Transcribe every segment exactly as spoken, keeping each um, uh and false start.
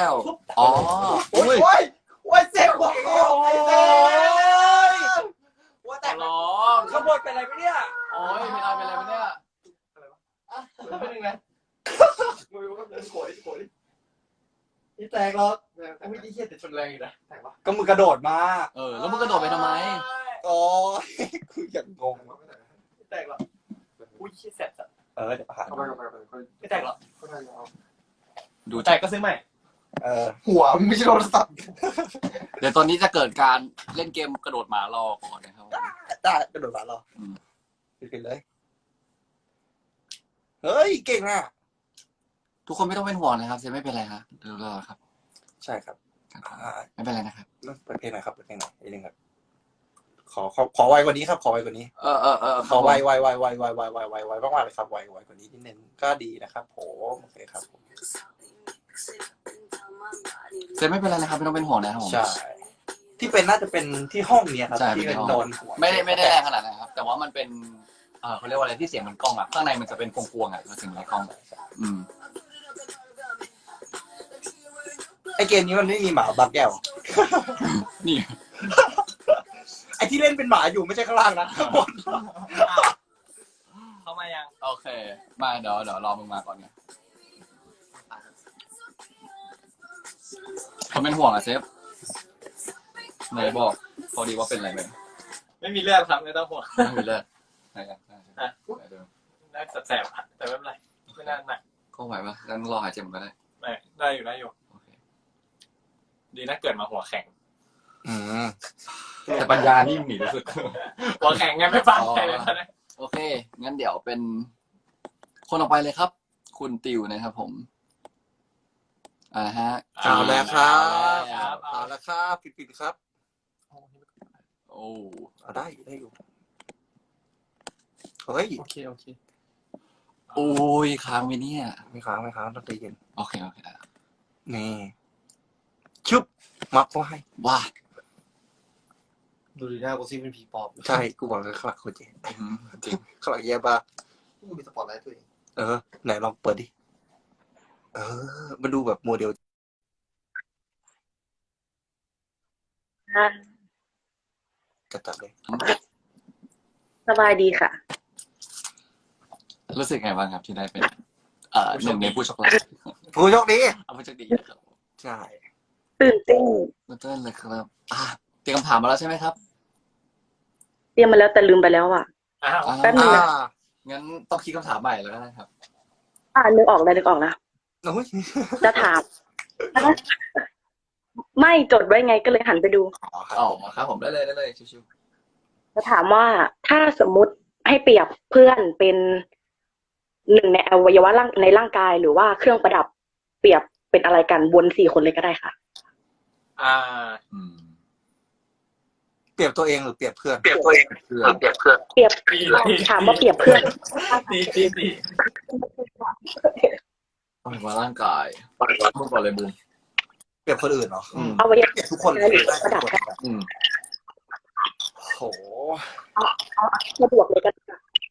วอ๋อโอ้ยโอ้ยโอ้ยเจ็บหัวคอไอ้เจ็บหัวแตกร้องขบวนเป็นอะไรไหมเนี่ยโอ้ยมีอะไรเป็นอะไรไหมเนี่ยเป็นยังไงมือก็เดินโขยโขยนี่แตกหรอกไม่ได้เหี้ยแต่ชนแรงอยู่นะแตกวะก็มือกระโดดมาเออแล้วมึงกระโดดไปทำไมโอ้ยคืออย่างงงไม่แตกหรอกอุ้ยขี้แสบจัดเออเดี๋ยวผ่านไม่แตกหรอกดูแตกก็ซื้อใหม่เออหัวไม่ใช่โทรศัพท์เดี๋ยวตอนนี้จะเกิดการเล่นเกมกระโดดหมารอก่อนนะครับได้กระโดดหมารอขึ้นเลยเฮ้ยเก่งอ่ะทุกคนไม่ต้องเป็นห่วงนะครับเซนไม่เป็นไรครับเดี๋ยวรอครับใช่ครับไม่เป็นไรนะครับเปิดเพลงหน่อยครับเปิดเพลงหน่อยนิดนึงครับขอขอขอไวกว่านี้ครับขอไวกว่านี้เออเออเออขอไวไวไวไวไวไวไวไวไวมากๆเลยครับไวไวกว่านี้นิดนึงก็ดีนะครับผมโอเคครับเซนไม่เป็นไรนะครับไม่ต้องเป็นห่วงนะครับผมใช่ที่เป็นน่าจะเป็นที่ห้องเนี้ยครับที่เป็นโดนไม่ได้ไม่ได้แรงขนาดนั้นครับแต่ว่ามันเป็นเออเขาเรียกว่าอะไรที่เสียงมันกล้องอ่ะข้างในมันจะเป็นกวงๆอ่ะเสียงในกล้องอืมไอเกมนี้มันไม่มีหมาบางแก้วนี่ไอที่เล่นเป็นหมาอยู่ไม่ใช่ข้างล่างนะข้างบนเข้ามายังโอเคมาเดี๋ยวเดี๋ยวรอมึงมาก่อนไงเขาเป็นห่วงอ่ะเซฟไหนบอกพอดีว่าเป็นอะไรไหมไม่มีเลือดครับไม่ต้องห่วงไม่มีเลือดไหนกันน่าแสบๆแต่ไม่เป็นไรไม่น่าหนักก็ไหวปะงั้นรอหายเจ็บก็ได้ไม่ได้อยู่ได้อยู่ดีนะเกิดมาหัวแข็งแต่ปัญญานี่หนีที่สุดหัวแข็งไงไม่ฟังใครเลยนะโอเคงั้นเดี๋ยวเป็นคนออกไปเลยครับคุณติวนะครับผมอ่าฮะเอาแล้วครับเอาแล้วครับปิดๆครับโอ้เอาได้ได้อยู่เฮ้ยโอเคโอเคโอ้ยค้างไปเนี่ยไม่ค้างไม่ค้างต้องใจเย็นโอเคโอเคนี่ชุบมักเขาให้ว้าดูดีหน้ากูซิเป็นผีปอบใช่กูบอกเลยขลักโคตรจริงขลักแย่บ้ากูมีสปอตไลท์ตัวเองเออไหนลองเปิดดิเออมาดูแบบโมเดลจัดจัดเลยสบายดีค่ะรู้สึกไงบ้างครับที่ได้เป็นเอ่อหนึ่งในผู้โชคดีผู้โชคดีเอาผู้โชคดีครับใช่ตื่นเต้นตื่นเต้นเลยครับอ่าเตรียมคำถามมาแล้วใช่ไหมครับเตรียมมาแล้วแต่ลืมไปแล้วอ่ะแป๊บนึงนะงั้นต้องคิดคำถามใหม่แล้วนะครับอ่านึกออกแล้วนึกออกแล้วจะถามไม่จดไว้ไงก็เลยหันไปดูอ๋อครับผมได้เลยได้เลยชิวๆจะถามว่าถ้าสมมุติให้เปรียบเพื่อนเป็นหนึ่งในอวัยวะร่างในร่างกายหรือว่าเครื่องประดับเปรียบเป็นอะไรกันวนสี่คนเลยก็ได้ค่ะอ่าเปรียบตัวเองหรือเปรียบเพื่อนเปรียบตัวเองเพื่อนเปรียบเพื่อนเปรียบถามว่าเปรียบเพื่อนดีดีดีอวัยวะร่างกายพูดก่อนเลยบูมเปรียบคนอื่นเหรออวัยวะทุกคนหรือประดับกันโหสะดวกเลยกัน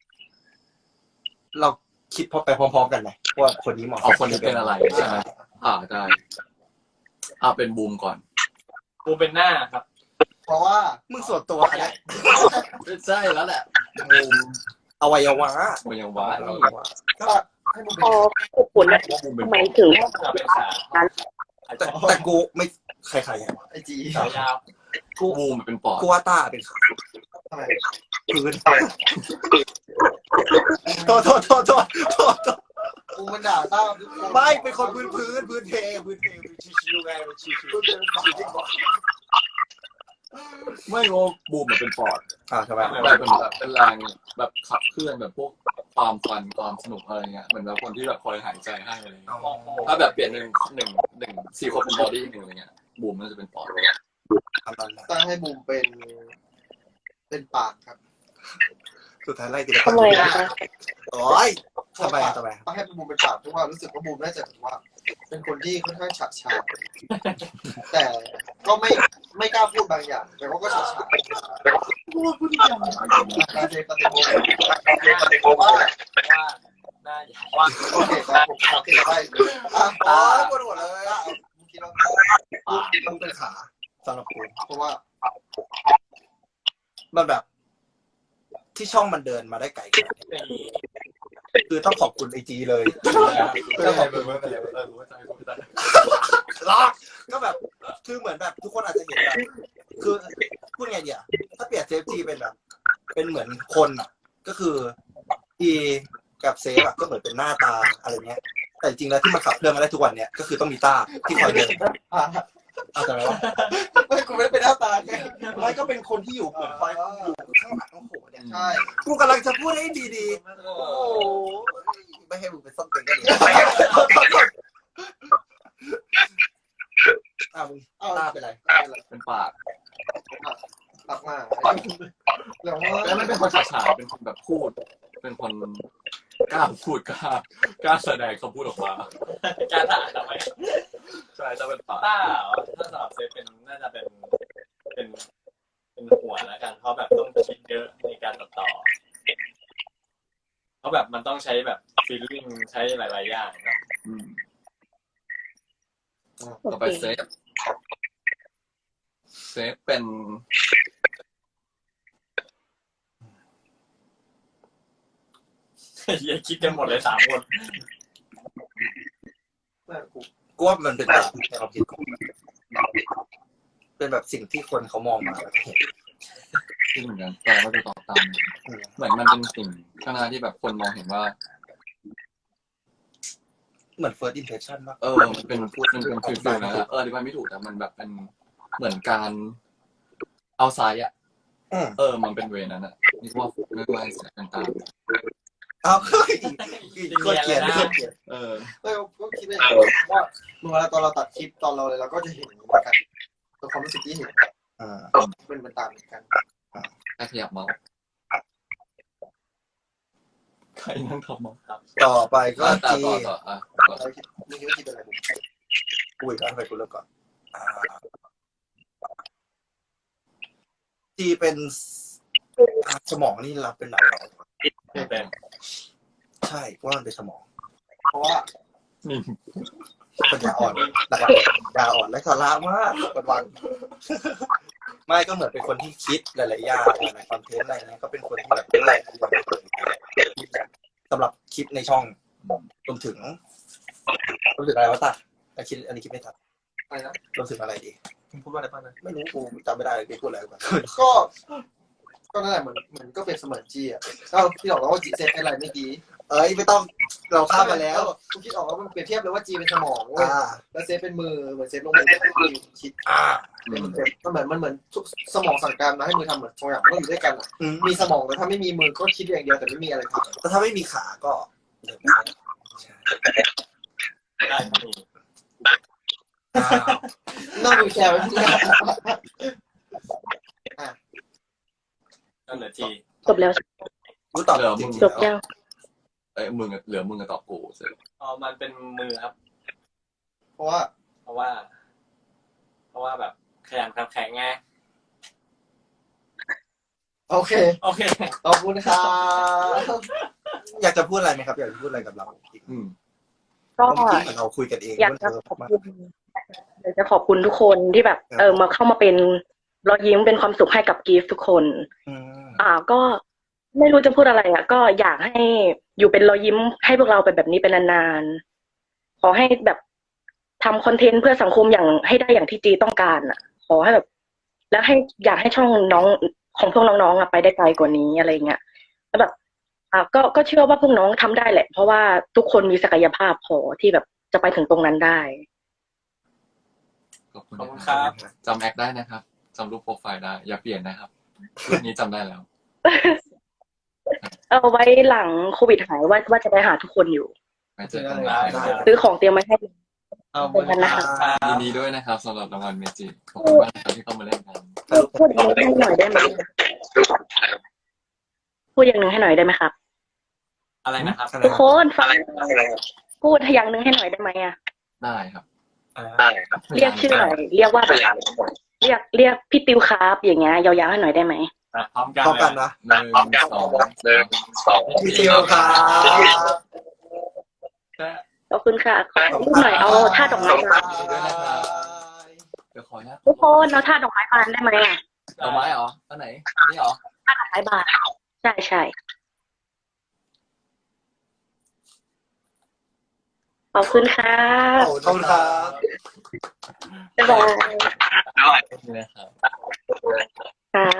เราคิดพอไปพร้อมๆกันเลยว่าคนนี้เหมาะเอาคนนี้เป็นอะไรใช่ไหมอ่าได้อ่าเป็นบูมก่อนบูมเป็นหน้าครับเพราะว่ามึงส่วนตัวแหละใช่แล้วแหละบูมอวัยวะอวัยวะก็ให้บูมเป็นผลนะทำไมถึงเป็นขาแต่แต่กูไม่ใครใครไอจียาวกูบูมเป็นปอดกูว่าตาเป็นขาพื้นโทษโทษโทษโทษโทษกูมันด่าตาไม่เป็นคนพื้นพื้นพื้นเทพื้นเทชิวๆไงมันชิวๆไม่โง่บูมมันเป็นปอดอ่าทำไมแบบเป็นแบบเป็นแรงแบบขับเคลื่อนแบบพวกความฟันความสนุกอะไรเงี้ยเหมือนแบบคนที่แบบคอยหายใจให้อะไรเงี้ยถ้าแบบเปลี่ยนหนึ่งหนึ่งหนึ่งสี่คนเป็นบอดี้หนึ่งอะไรเงี้ยบูมมันจะเป็นปอดตั้งให้บูมเป็นเป็นปากครับสุดท้ายไล่กินทำไมอ่ะโอ้ยทำไมทำไมตั้งให้บูมเป็นปากเพราะว่ารู้สึกว่าบูมน่าจะแบบว่าเป็นคนที่ค่อนข้างฉาดฉานแต่ก็ไม่ไม่กล้าพูดบางอย่างแต่ว่าก็ฉาดฉานพูดพูดอย่างการเจปฏิบัติว่าว่าได้ว่าโอเคครับผมโอเคได้อ่ะอ๋อปวดหัวเลยอ่ะคิดว่าต้องเป็นขาสำหรับกูเพราะว่ามันแบบ ที่ช่องมันเดินมาได้ไกลขนาดนี้คือต้องขอบคุณไอจีเลยต้องขอบคุณล็อกก็แบบ คือเหมือนแบบ ทุกคนอาจจะเห็นแบบคือพูดไงเดียวถ้าเปรียบเซฟจีเป็นแบบ เป็นเหมือนคนอ่ะ ก็คืออีกับเซฟอะก็เหมือนเป็นหน้าตาอะไรเงี้ย แต่จริงแล้วที่มันขับเคลื่อนมาได้ทุกวันเนี้ยก็คือต้องมีต้าที่คอยเดินเอาแต่ว่าไม่กูไม่ได้เป็นหน้าตาไงไม่ก็เป็นคนที่อยู่เหมือนคอยอยู่ข้างหลังโอ้โหเนี่ยใช่กูกำลังจะพูดให้ดีๆ โอ้โหไม่ให้มึงเป็นส้นตีนก็ดีอ่ะมึงตาเป็นไรเป็นปากรักมากแล้วว่าแล้วไม่เป็นคนฉาฉานเป็นคนแบบพูด เป็นคนกล้าพูดกล้ากล้าแสดงคำพูดออกมาการถ่ายทำไมใช่จะเป็นปากต้าถ้าสำหรับเซฟเป็นน่าจะเป็นเป็นเป็นหัวแล้วกันเพราะแบบต้องคิดเยอะในการตัดต่อเพราะแบบมันต้องใช้แบบฟีลลิ่งใช้หลายๆอย่างครับอืมโอต่อเคไปเซฟเซฟเป็นเฮียคิดกันหมดเลยสามคนกูว่ามันเป็นแบบในความคิดกูเป็นแบบสิ่งที่คนเขามองมาแล้วเห็นที่เหมือนกันแต่ก็จะตอบตามเหมือนมันเป็นสิ่งข้างหน้าที่แบบคนมองเห็นว่าเหมือน first impression ป่ะเออมันเป็นมันเป็นฟิลฟิลนะเออที่มันไม่ถูกแต่มันแบบเป็นเหมือนการเอาไซด์อ่ะอืมเออมันเป็นเวนั้นอ่ะนี่ว่าไม่ว่าเสียกันตามเอาเฮ้ยก็เกลียดก็เกลียดเออเออก็คิดได้ว่าเมื่อเวลาตอนเราตัดคลิปตอนเราเลยเราก็จะเห็นเหมือนกันตัวความรู้สึกที่เห็นอ่าเป็นเป็นต่างเหมือนกันแค่ขยับเมาส์ใครนั่งทำเมาส์ต่อไปก็อ่ะต่อจีต่อต่ออ่ะต่อเราคิดมึงคิดว่าคิดเป็นอะไรกูอีกแล้วทำไมกูเลิกก่อนอ่าจีเป็นสมองนี่รับเป็นอะไรเป็นใช่ว่ามันเป็นสมองเพราะว่านี่ปัญญาอ่อนหลักๆปัญญาอ่อนและสาระมากวันวันๆไม่ก็เหมือนเป็นคนที่คิดหลายๆอย่างในคอนเทนต์อะไรเงี้ยก็เป็นคนที่แบบเป็นแหล่งสำหรับคลิปในช่องรวมถึงรวมถึงอะไรวะตาแต่คิดอันนี้คิดไม่ทันอะไรนะรวมถึงอะไรดีมึงพูดว่าอะไรบ้างนะไม่รู้กูจำไม่ได้เลยกูพูดอะไรกันก็ ก็นั่นแหละเหมือนเหมือนก็เป็นเสมือนจีอ่ะก็พี่บอกแล้วว่าจีเซฟอะไรเมื่อกี้เอ้ยไม่ต้องเราข้ามไปแล้วกูคิดออกว่ามันเปรียบเทียบเลยว่าจีเป็นสมองเว้ยอ่าแล้วเซฟเป็นมือเหมือนเซฟลงมือคิดอ่ามันเหมือนมันเหมือนมันเหมือนทุกสมองสั่งการมาให้มือทำเหมือนสองอย่างมันต้องอยู่ด้วยกันอะอืมมีสมองแต่ถ้าไม่มีมือก็คิดอย่างเดียวแต่ไม่มีอะไรทำแต่ถ้าไม่มีขาก็เดินไม่ได้ได้ที่นี่อ้าวนั่งดูแชร์ไว้เพื่อนก็เหลือจีจบแล้วกูตอบจริงจๆบแล้วยังเอ้ยมึงอะเหลือมึงกับตอบกูเสร็จอ๋อมันเป็นมือครับเพราะว่าเพราะว่า เพราะว่าแบบขยันขันแข็งไงโอเคโอเคขอบคุณครับอยากจะพูดอะไรไหมครับอยากจะพูดอะไรกับเราอีกอืมก็เมื่อกี้เหมือนเราคุยกันเองอยากว่าจะเธอขอบคุณอยากจะขอบคุณทุกคนที่แบบ เออมาเข้ามาเป็นรอยยิ้มเป็นความสุขให้กับกีฟทุกคนอืมอ่าก็ไม่รู้จะพูดอะไรอ่ะ ก็อยากให้อยู่เป็นรอยยิ้มให้พวกเราเป็นแบบนี้เป็นนานๆขอให้แบบทำคอนเทนต์เพื่อสังคมอย่างให้ได้อย่างที่จีต้องการอ่ะ ขอให้แบบ แล้วให้อยากให้ช่องน้องของพวกน้องๆอ่ะไปได้ไกลกว่านี้อะไรเงี้ยแล้วแบบอ่าก็ก็เชื่อว่าพวกน้องทำได้แหละ เพราะว่าทุกคนมีศักยภาพพอที่แบบจะไปถึงตรงนั้นได้ขอบคุณขอบคุณนะคครัรับบ จำแอคได้นะครับจำรูปโปรไฟล์ได้ อย่าเปลี่ยนนะครับรูปนี้จำได้แล้วเอาไว้หลังโควิดหายว่าว่าจะไปหาทุกคนอยู่ไปเจอกันได้นะครับซื้อของเตรียมมาให้เอาเป็นกันนะคะยินดีด้วยนะครับสำหรับรางวัลเมจิขอบคุณมากนะครับที่เข้ามาเล่นกันพูดอย่างหนึงให้หน่อยได้ไหมพูดอย่างหนึงให้หน่อยได้ไหมครับอะไรนะครับทุกคนฟังพูดอย่างหนึงให้หน่อยได้ไหมอ่ะได้ครับเรียกชื่อหน่อยเรียกว่าแบบเรียกเรียกพี่ติวครับอย่างเงี้ยยาวๆให้หน่อยได้ไหมอ่ะพร้อมกันพร้อมกันเลยนะหนึ่งสองหนึ่งสองพี่เจียวครับขอบคุณค่ะขอรูปหน่อยเอาท่าดอกไม้มาด้วยนะครับเดี๋ยวขอออนุญาตทุกคนเราท่าดอกไม้บานได้ไหมอ่ะดอกไม้เหรออันไหนนี่เหรอท่าดอกไม้บานใช่ใช่ขอบคุณค่ะขอบคุณครับบ๊ายบายนี่นะครับครับ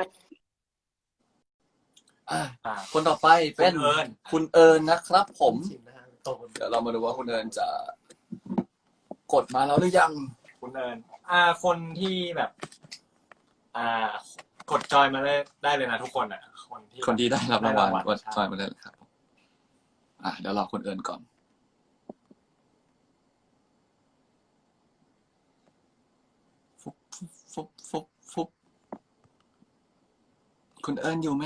อ่ะอ่าคนต่อไปเป็นคุณเอิญคุณเอิญนะครับ ผมเดี๋ยวเรามาดูว่าคุณเอิญจะ กดมาแล้วหรือยังคุณเอิญอ่า คนที่แบบ อ่ากดจอยมาได้ได้เลยนะทุกคนอ่ะ คนที่คนที่ได้รับรางวัลได้กดใช่จอยมาได้เลยครับ อ่ะเดี๋ยวรอคุณเอิญก่อนฟุบฟุบฟุบฟุบฟุบคุณเอิญอยู่ไหม